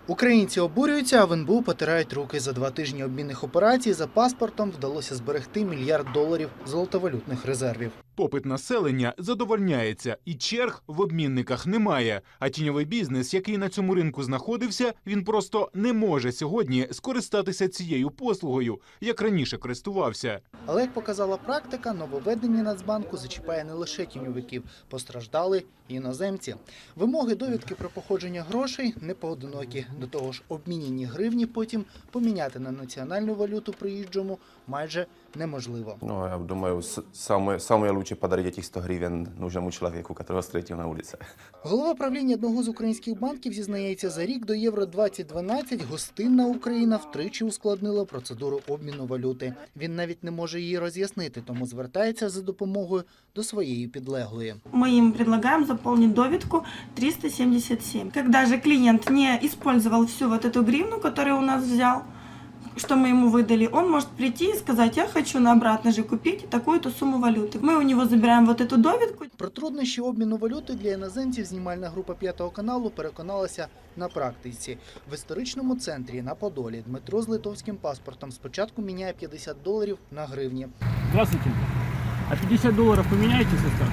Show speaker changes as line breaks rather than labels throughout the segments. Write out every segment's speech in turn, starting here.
Українці обурюються, а в НБУ потирають руки. За 2 тижні обмінних операцій за паспортом вдалося зберегти $1 мільярд золотовалютних резервів.
Попит населення задовольняється, і черг в обмінниках немає. А тіньовий бізнес, який на цьому ринку знаходився, він просто не може сьогодні скористатися цією послугою, як раніше користувався.
Але, як показала практика, нововведення Нацбанку зачіпає не лише тіньовиків, постраждали і іноземці. Вимоги довідки про походження грошей непоодинокі. До того ж, обміняні гривні потім поміняти на національну валюту приїжджому майже неможливо.
Я думаю, самое лучше подарить этих 100 гривен нужному человеку, которого встретил на улице.
Голова правління одного з українських банків зізнається, за рік до Євро-2012 гостинна Україна втричі ускладнила процедуру обміну валюти. Він навіть не може її роз'яснити, тому звертається за допомогою до своєї підлеглої.
Мы им предлагаем заполнить довідку 377. Когда же клиент не использовал всю вот эту гривну, которую у нас взял, что мы ему выдали, он может прийти и сказать: я хочу на обратно же купить такую-то сумму валюты. Мы у него забираем вот эту довідку.
Про труднощі обміну валюти для іноземців знімальна група «5 каналу» переконалася на практиці. В історичному центрі на Подолі Дмитро з литовським паспортом спочатку міняє $50 на гривні.
Здравствуйте. А $50 поменяете, сестра?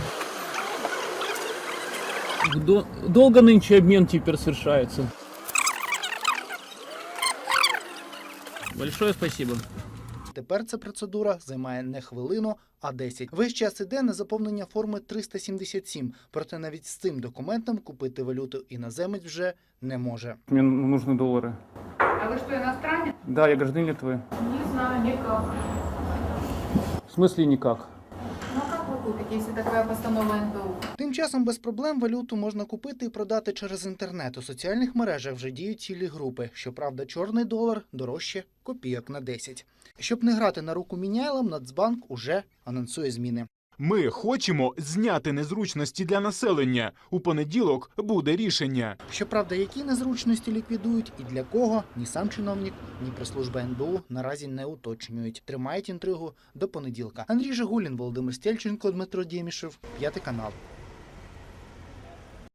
Долго нынче обмен теперь совершается. Большое спасибо.
Тепер ця процедура займає не хвилину, а 10. Весь час іде на заповнення форми 377. Проте навіть з цим документом купити валюту іноземець вже не може.
Мне нужны доллары.
А вы что, иностранец?
Да, я гражданин Литвы.
Не знаю, никак.
В смысле никак?
Ну а как вы купите, если такая постанова НБУ?
Тим часом без проблем валюту можна купити і продати через інтернет. У соціальних мережах вже діють цілі групи. Щоправда, чорний долар дорожче копійок на 10. Щоб не грати на руку міняйлам, Нацбанк уже анонсує зміни.
Ми хочемо зняти незручності для населення. У понеділок буде рішення.
Щоправда, які незручності ліквідують і для кого, ні сам чиновник, ні прес-служба НБУ наразі не уточнюють. Тримають інтригу до понеділка. Андрій Жигулін, Володимир Стельченко, Дмитро Дємішев, 5 канал.